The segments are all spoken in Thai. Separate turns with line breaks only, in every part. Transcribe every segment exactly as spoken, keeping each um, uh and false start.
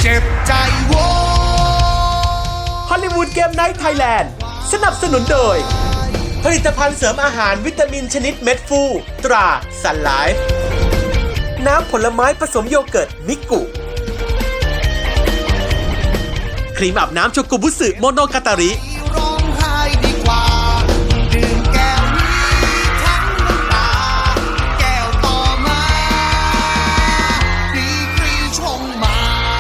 เจ็บใจโว้
ฮอลลีวูดเกมไนท์ไทยแลนด์สนับสนุนโดยผลิตภัณฑ์เสริมอาหารวิตามินชนิดเม็ดฟูตราซันไลฟ์น้ำผลไม้ผสมโยเกิร์ตมิกุครีมอาบน้ำโชกุบุสึโมโนกาตาริ
ร้องไห้ดีกว่าดื่มแก้วนี้ทั้งน้ำตาแก้วต่อมาดีกรีชงมาก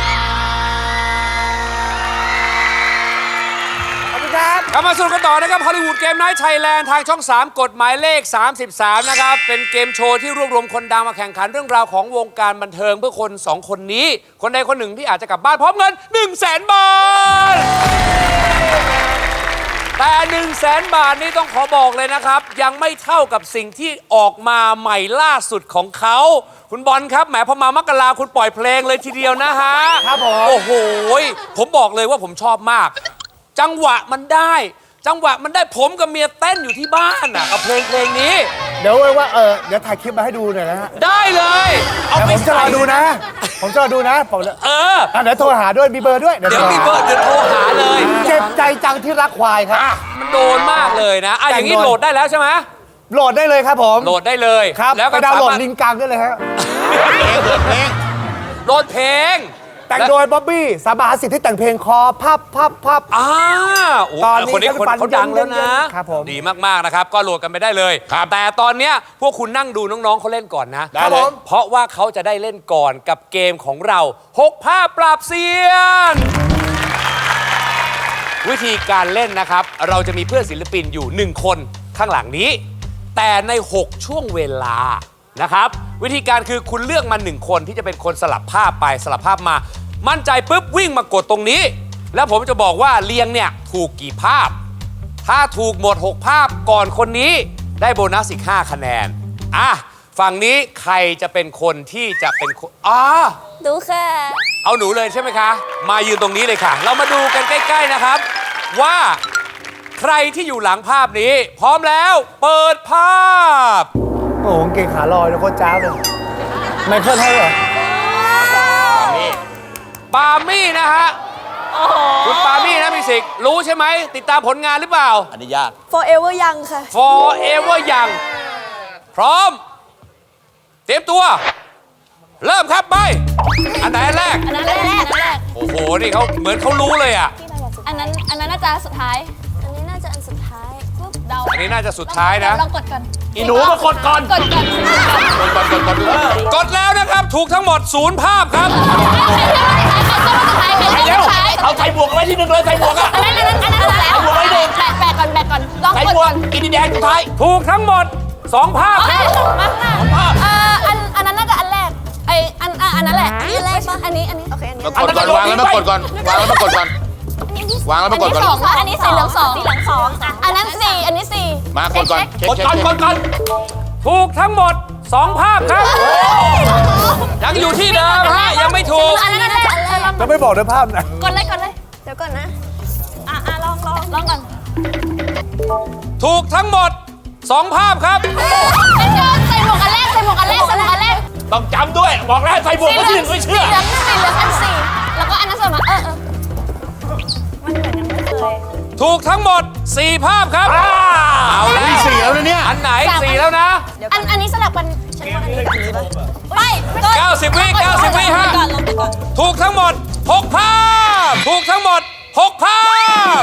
ลับมาสนุกกันต่อนะครับฮอลลีวูดเกมไนท์ไทยแลนด์ทางช่อง สาม กฎหมายเลข สามสิบสาม นะครับ เป็นเกมโชว์ที่รวบรวมคนดังมาแข่งขันเรื่องราวของวงการบันเทิงเพื่อคนสองคนนี้ คนใดคนหนึ่งที่อาจจะกลับบ้านพร้อมเงิน หนึ่งแสน บาท แต่ หนึ่งแสน บาทนี้ต้องขอบอกเลยนะครับ ยังไม่เท่ากับสิ่งที่ออกมาใหม่ล่าสุดของเขา คุณบอลครับแหมพอมามกราคุณปล่อยเพลงเลยทีเดียวนะฮะครับผมโอ้โหผมบอกเลยว่าผมชอบมากจังหวะมันได้จังหวะมันได้ผมกับเมียเต้นอยู่ที่บ้านอ่ะกับเพลงเพลงนี้
เดี๋ยวว่าเออเดี๋ยวถ่ายคลิปมาให้ดูหน่อยนะฮะ
ได้เลย
เอาไปผมจะรอดูนะผมจะรอดูนะผม
เออ
เดี๋ยวโทรหาด้วยมีเบอร์ด้วย
เดี๋ยวมีเบอร์เดี๋ยวโทรหาเลย
เจ็บใจจังที่รักควายครับ
มันโดนมากเลยนะอ่ะอย่างนี้โหลดได้แล้วใช่ไหม
โหลดได้เลยครับผม
โหลดได้เลย
ครับแล้วก็ดาวน์โหลดลิงก์กลางได้เลยฮะ
โหลดเพลง
แต่งโดยบ๊อบบี้สาบาสิทธิ์ที่แต่งเพลงคอพับพับพับ
อ่าตอนนี้คนนี้คนเขาดังแล้วนะครับดีมากๆนะครับก็โหลดกันไปได้เลยแต่ตอนเนี้ยพวกคุณนั่งดูน้องๆเขาเล่นก่อนนะ
ได้เลย
เพราะว่าเขาจะได้เล่นก่อนกับเกมของเราหกภาพปราบเซียนวิธีการเล่นนะครับเราจะมีเพื่อนศิลปินอยู่หนึ่งคนข้างหลังนี้แต่ในหกช่วงเวลานะครับวิธีการคือคุณเลือกมาหนึ่งคนที่จะเป็นคนสลับภาพไปสลับภาพมามั่นใจปุ๊บวิ่งมากดตรงนี้แล้วผมจะบอกว่าเรียงเนี่ยถูกกี่ภาพถ้าถูกหมดหกภาพก่อนคนนี้ได้โบนัสอีกห้าคะแนนอ่ะฝั่งนี้ใครจะเป็นคนที่จะเป็นคนอ๋อ
ดูค่ะ
เอาหนูเลยใช่ไหมคะมายืนตรงนี้เลยค่ะเรามาดูกันใกล้ๆนะครับว่าใครที่อยู่หลังภาพนี้พร้อมแล้วเปิดภาพ
โอ้โหเก่งขาลอยแล้วโคตรจ้าเลยไมเคิลให้เหรอ
ปามี่นะฮะคุณปามี่นะมิสิกรู้ใช่ไหมติดตามผลงานหรือเปล่า
อันนี้ยาก
Forever Young ค่ะ
Forever Young พร้อมเตรียมตัวเริ่มครับไปอันไหนอันแรก
อันนั้นแรกอันนั้นแรก
โอ้โหนี่เขาเหมือนเขารู้เลยอ่ะ
อันนั้นอันนั้นน่าจะสุดท้ายอันนี้น่าจะอันสุดท้ายปุ๊บเดา
อันนี้น่าจะสุดท้ายนะ
ลองกดก่อน
อีหนูมากดก่อน
กดก่อน
กดก่อนกดก่อนกดแล้วนะครับถูกทั้งหมดศูนย์ภาพครับ
เอาใส่บวกไว้ที่หนึ่งเลยใส่บวกอ่ะ
อันนั้นอันนั้นอันนั้นแล้วบวกไว้หนึ่งแปะแปะก่อนแปะก่อนลองกดก่อน
อินดีแดงสุดท้าย
ถูกทั้งหมดสองภาพ
ครับสองภาพอ่าอันอันนั้นน่าจะอันแรกไออันอันนั้นแหละอันแรกป่ะอันนี้อันนี้โอเคอันนี้
กดก่อนวางแล้วมากดก่อนวางแล้วมากดก่อนวางแล้วมากดก่อน
อันนี้สีเหลืองสองสีเหลืองสองอันนั้นสี่อันนี้สี่
มากดก่อน
กดก่อนกดก่อนถูกทั้งหมดสองภาพครับยังอยู่ที่เดิมฮะยังไม่ถูก
อันนั้นน่าจะอันแรก
จะไม่บอกด้วยภาพนะ
กดเลยกดเลยเดี๋ยวก่อนนะอ่ะอ่ะลองลองลองก่อน
ถูกทั้งหมดสองภาพครับ
ใส่หมวกอันแรกใส่หมวกอันแรกใส่หมวกอันแรก
ต้องจำด้วยบอกแล้วใส่บวกก็ที่หนึ่งไม่เชื่อ
สีเหลืองสีเหลืองอันสี่แล้วก็อันนั้นใส่มาเออเออมันเหมือนยังไม่เคย
ถูกทั้งหมดสี่ภาพครับเอาแล้ว
สี่แล้วนะเนี่ย
อันไหนสี่แล้วนะ
อันอันนี้สลับกันฉันว่าอันนี้กับอันนี้ไป
เก้าสิบวิเก้าสิบวิฮะถูกทั้งหมดหกภาพถูกทั้งหมดหกภาพ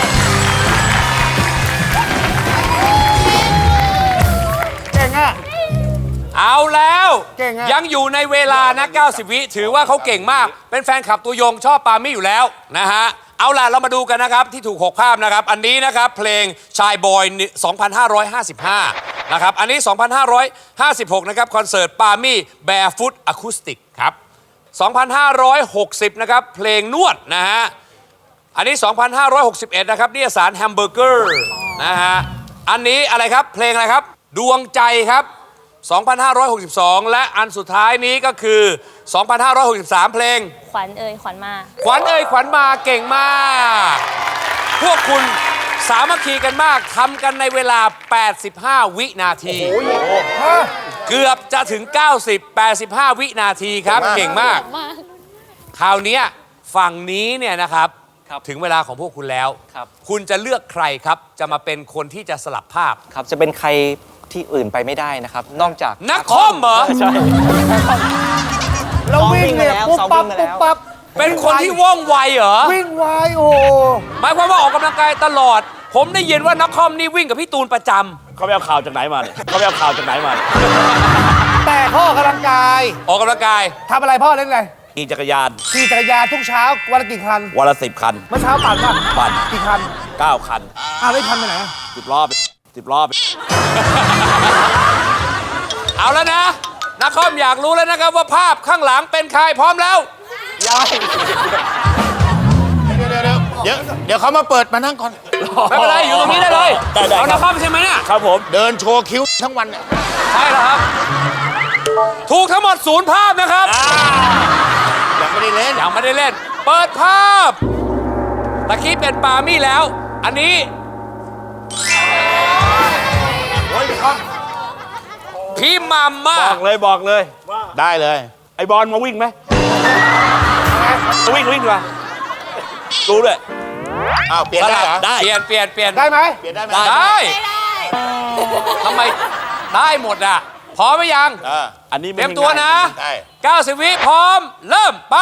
เก่งอ่ะ
เอาแล้วยังอยู่ในเวลานะเก้าสิบวิถือว่าเขาเก่งมากเป็นแฟนคลับตัวยงชอบปามี่อยู่แล้วนะฮะเอาล่ะเรามาดูกันนะครับที่ถูกหกภาพนะครับอันนี้นะครับเพลงชายบอยสองพันห้าร้อยห้าสิบห้านะครับอันนี้สองพันห้าร้อยห้าสิบหกนะครับคอนเสิร์ตปามี่แบร์ฟุตอะคูสติกครับสองพันห้าร้อยหกสิบนะครับเพลงนวดนะฮะอันนี้สองพันห้าร้อยหกสิบเอ็ดนะครับนิตยสารแฮมเบอร์เกอร์นะฮะอันนี้อะไรครับเพลงอะไรครับดวงใจครับสองพันห้าร้อยหกสิบสองและอันสุดท้ายนี้ก็คือสองพันห้าร้อยหกสิบสามเพลง
ขวัญเอ่ยขวัญมา
ขวัญเอ่ยขวัญมาเก่งมากพวกคุณสามัคคีกันมากทำกันในเวลาแปดสิบห้าวินาทีเกือบจะถึงเก้าสิบ แปดสิบห้าวินาทีครับเก่งมากคราวนี้ฝั่งนี้เนี่ยนะครับ
ครับ
ถึงเวลาของพวกคุณแล้ว
ครับ
คุณจะเลือกใครครับ จะมาเป็นคนที่จะสลับภาพ
ครับจะเป็นใครที่อื่นไปไม่ได้นะครับ นอกจาก
นักคอมเหรอ
ใช่
แล้ววิ่งเนี่ย
ซ้
ปุ๊
อบ มวิ่
ปั๊บ
งมาแล้ว
ปุ๊บปั๊บ
เป็นคนที่ว่องไวเหรอ
วิ่งไวโอ้โห
หมายความว่าออกกำลังกายตลอด ผมได้ยินว่านักคอมนี่วิ่งกับพี่ตูนประจำ
เขาไปเอาข่าวจากไหนมาเนี่ยเขาไปเอาข่าวจากไหนมาเนี่ย
แต่พ่อออกกำลังกาย
ออกกำลังกาย
ทำอะไรพ่อเล่นอะไร
ขี่จักรยาน
ขี่จักรยานทุกเช้าวันละกี่คัน
วันละสิบคัน
เมื่อเช้าปั่นป่ะ
ปั่น
กี่คัน
เก้าคัน
อ้าวได้คันไปไหน
สิบรอบสิบรอบ
เอาแล้วนะนักคอมอยากรู้แล้วนะครับว่าภาพข้างหลังเป็นใครพร้อมแล้ว
เดี๋ยวเดี๋ยวเดี๋ยวเดี๋ยวเดี๋ยวเขามาเปิดมานั่งก่อน
ไม่เป็นไรอยู่ตรงนี้ได้เลย
ได้ได้
เอา
ครั
นั
บ
กคอมใช่ไหมเนี่ย
ครับผม
เดินโชว์คิ้วทั้งวันเนี่ย
ใช่แล้วครับ ถูกทั้งหมดศูนย์ภาพนะครับ
ยังไม่ได้เล่น
ยังไม่ได้เล่น เปิดภาพตะกี้เป็นปามี่แล้ว อันนี้พี่มัมมา
บอกเลยบอกเลย
ได้เลย
ไอ้บอลมาวิ่งไหมมาวิ่งวิ่งดีกว่ารู้ด้วย
อ้าวเปลี่ยนได้เหรอ
ได้
เปลี่ยนเปลี่ยนเปลี่ยน
ได้ไหม
เปลี่ยนได้ไหม
ได้ทำไมได้หมดอ่ะพร้อมไหมยัง
เออ
อันนี้
เต
ไม่
รียมตัวนะ
ได้
เก้าสิบวิพร้อม เริ่มไป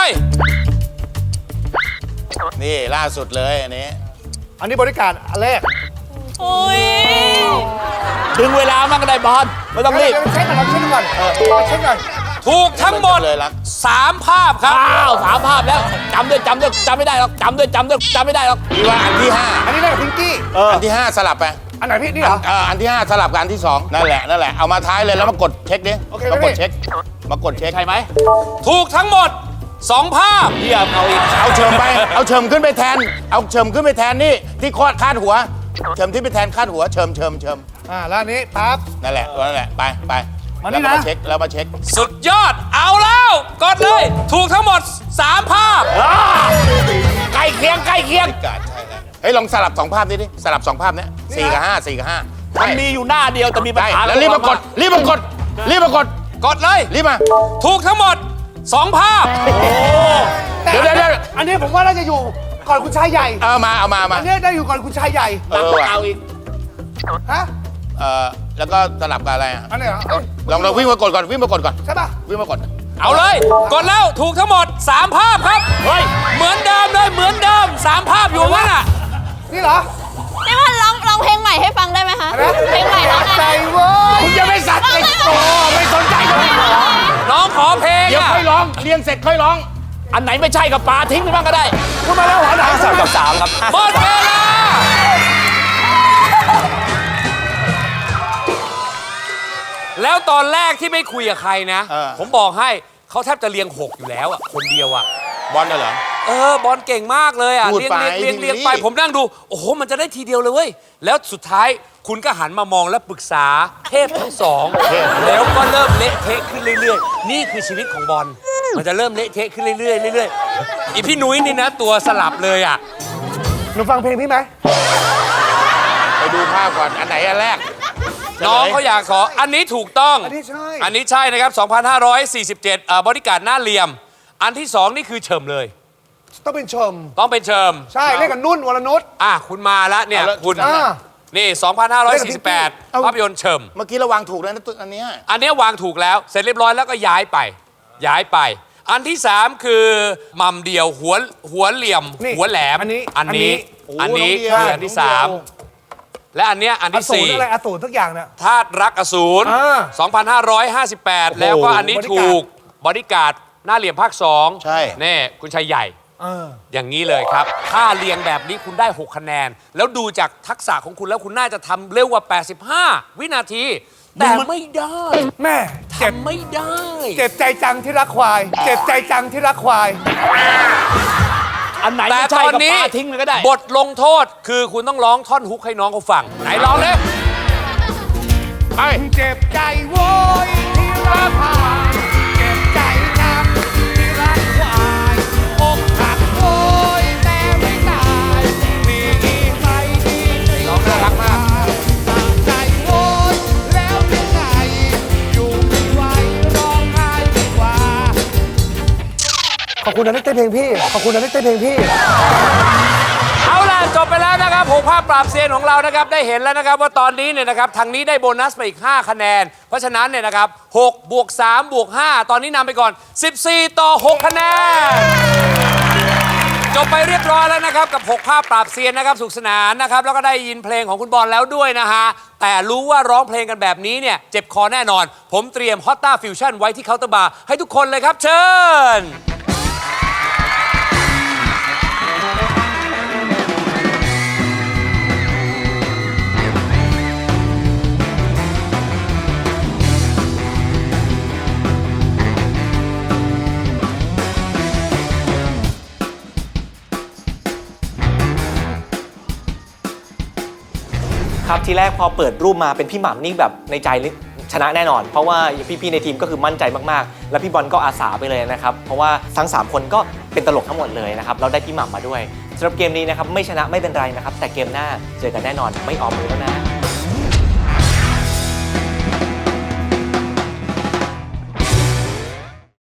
นี่ล่าสุดเลยอันนี้
อันนี้บริการอันแรก
โอ้ย
ถึงเวลามันก็ได้บอลไม่ต้องรีบ
เดี๋ยวเช็คก่อนเราเช็คก่อนเออเช็คก่อน
ถูกทั้งหมด
เลยรัก
สามภาพครับ
อ้าวสามภาพแล้วจำด้วยจำด้วยจำไม่ได้หรอกจำด้วยจำด้วยจำไม่ได้หรอก
พี่ว่าอันที่ห้า
อันนี้ได้กับพิงกี้
เออ
อันที่ห้าสลับไป
อันไหนพี่นี่เหรอ
เอออันที่ห้าสลับกับอันที่สองนั่นแหละนั่นแหละเอามาท้ายเลยแล้วมากดเช็คดิ
โอเค
มากด
พี่
เช็คมากดเช็ค
ใช่ไหม
ถูกทั้งหมดสองภาพ
เยี่ยมเอาอีก
เอาเฉิมไปเอาเฉิมขึ้นไปแทน เอาเฉิมขึ้นไปแทนนี่ที่คอดคาดหัวเฉิมที่ไปแทนคาดหัวเฉิมเฉิมเฉิม
อ่าแล้วอันนี้ปั๊บ
นั่นแหละนั่นแหละไปไป
มานี่
แล้ว
นะ
มาเช็คแล้วมาเช็ค
สุดยอดเอาแล้ว กดเลย ถูกทั้งหมดสามภาพ
ใกล้เคียงใกล้เคียง
กาดใช่แล้วเฮ้ยลองสลับสองภาพนี้ดิสลับสองภาพเนี้ยสี่กับห้าสี่กับห้า
มันมีอยู่หน้าเดียวแต่มีปัญ
ได้
หา
แล้วรีบมากดรีบมากดรีบมากด
กดเลย
รีบมา
ถูกทั้งหมดสองภาพ
เดี๋ยวเดี๋ยวเดี๋ยว
อันนี้ผมว่าน่าจะอยู่ก่อนคุณชายใหญ่
เอามาเอามามา
อันนี้ได้อยู่ก่อนคุณชายใหญ่
เออว่ะ
เอาอีก
ฮะ
เออแล้วก็สลับกับอะไรอ่ะ
อันไหนเหรอเอ้ย
ลองลองวิ่งมากดก่อนวิ่งมากดก่อน
ใช่ป่ะ
วิ่งมากด
เอาเลย กดแล้วถูกทั้งหมดสามภาพครับ
เฮ้ย
เหมือนเดิมเลยเหมือนเดิมสามภาพอยู่นั่นน่ะ
นี่เหรอ
นี่ว่าร้องร้องเพลงใหม่ให้ฟังได้ไหมคะ
อะไรนะ
เพลงใหม่ร้องไง
ใจเว้ย
คุณจะไม่สัตว์เลยโอ้ไม่สนใจเลย
น้องขอเพลง
เดี๋ยว
อะ
ค่อยร้องเรียนเสร็จค่อยร้อง
อันไหนไม่ใช่กับปลาทิ้งไปบ้างก็ได้
คุณมาแล้วหัวหนัง
สามกับสามครับ
หมดเวลาแล้วตอนแรกที่ไม่คุยกับใครนะ
เออ
ผมบอกให้เขาแทบจะเรียงหกอยู่แล้วอ่ะคนเดียวอ่ะ
บอลน่ะเหรอ
เออบอลเก่งมากเลยอ่ะ
พูด
เรียง
ไป
เรียงเรียง
ทีนี้
เรียงไปผมนั่งดู โอ้โหมันจะได้ทีเดียวเลยเว้ยแล้วสุดท้ายคุณก็หันมามองและปรึกษาเทพทั้งสองแล้วก็เริ่มเละเทะขึ้นเรื่อยๆ นี่คือชีวิตของบอลมันจะเริ่มเละเทะขึ้นเรื่อยๆเรื่อยๆอีพี่นุ้ยนี่นะตัวสลับเลยอ่ะ
หนูฟังเพลงพี่ไหม
ไปดูภาพก่อนอันไหนอันแรก
น้องเขาอยากขออันนี้ถูกต้อง
อันนี้ใช่
อันนี้ใช่นะครับ สองพันห้าร้อยสี่สิบเจ็ด เอ่อบริการหน้าเหลี่ยม อันที่สองนี่คือเฉิมเลย
ต้องเป็นชม
ต้องเป็นเฉิม
ใช่เล่นกับนุ่นวรนุช
อ่ะ คุณมาแล้วเนี่ย
เอาแล้ว
คุณ
อ่า
นี่ สองพันห้าร้อยสี่สิบแปด
เอา
ภาพยนตร์เฉิม
เมื่อกี้เราวางถูกแล้วนะตัวอันเนี้ย
อันเนี้ยวางถูกแล้ว เสร็จเรียบร้อยแล้วก็ย้ายไป ย้ายไป อันที่สามคือหม่ำเดี่ยวหัวหัวเหลี่ยม
นี่
หัวแหลม
อันนี้
อันนี้ อันนี้
โอ้
คือ
น้
อั
ง
น
เดียว
ที่สามและอันเนี้ยอัน
อ
ที่
สูร
สี่
อะไรอสูรทุกอย่างเนี่ย
ธาตุรักอสูร
อ่า
สองพันห้าร้อยห้าสิบแปด แล้วก็อันนี้
บอดี้
ถู
การ์ด
กบอดี้การ์ดหน้าเหลี่ยมภาคสอง
ใช่
นี่คุณชัยใหญ่
เออ
อย่างนี้เลยครับ ถ้าเรียงแบบนี้คุณได้ หก คะแนน แล้วดูจากทักษะของคุณแล้วคุณน่าจะทำเร็วกว่า แปดสิบห้า วินาที แต่ไม่ได้
แม่เจ็บ
ทำไม่ได้
เจ็บใจจังที่รักควาย เจ็บใจจังที่รักควาย
อันไหน
แต่
ไม่
ต
ใช่
อน
กับ
นี้
ปลาทิ้งไปก็ได้
บทลงโทษคือคุณต้องร้องท่อนฮุกให้น้องเขาฟัง ไหนร้องเลย
ไป
เจ็บใจโว้ยที่รักควายเจ็บใจจังที่รักควายอกหักโว้ยแต่ไม่ตายมีใครดีใจ
ร้องน่ารักมาก
สั่งใจโว้ยแล้วยังไงอยู่ไม่ไหวร้องไห้ดีกว่าขอบคุณคุณนะที่เต้นเพลงพี่ ขอบคุณนะที่เต้นเพลงพี่
เอาล่ะจบไปแล้วนะครับหกภาพปราบเซียนของเรานะครับได้เห็นแล้วนะครับว่าตอนนี้เนี่ยนะครับทางนี้ได้โบนัสไปอีกห้าคะแนนเพราะฉะนั้นเนี่ยนะครับหกบวกสามบวกห้าตอนนี้นำไปก่อนสิบสี่ต่อหกคะแนนจบไปเรียบร้อยแล้วนะครับกับหกภาพปราบเซียนนะครับสุขสนานนะครับแล้วก็ได้ยินเพลงของคุณบอลแล้วด้วยนะฮะแต่รู้ว่าร้องเพลงกันแบบนี้เนี่ยเจ็บคอแน่นอนผมเตรียมฮอตต้าฟิวชั่นไว้ที่เคาน์เตอร์บาร์ให้ทุกคนเลยครับเชิญ
ครับทีแรกพอเปิดรูปมาเป็นพี่หม่ำนี่แบบในใจนี่ชนะแน่นอน เพราะว่าพี่ๆในทีมก็คือมั่นใจมากๆ แล้วพี่บอลก็อาสาไปเลยนะครับเพราะว่าทั้งสามคนก็เป็นตลกทั้งหมดเลยนะครับเราได้พี่หม่ำมาด้วยสำหรับเกมนี้นะครับไม่ชนะไม่เป็นไรนะครับแต่เกมหน้าเจอกันแน่นอนไม่ออมมือแล้วนะ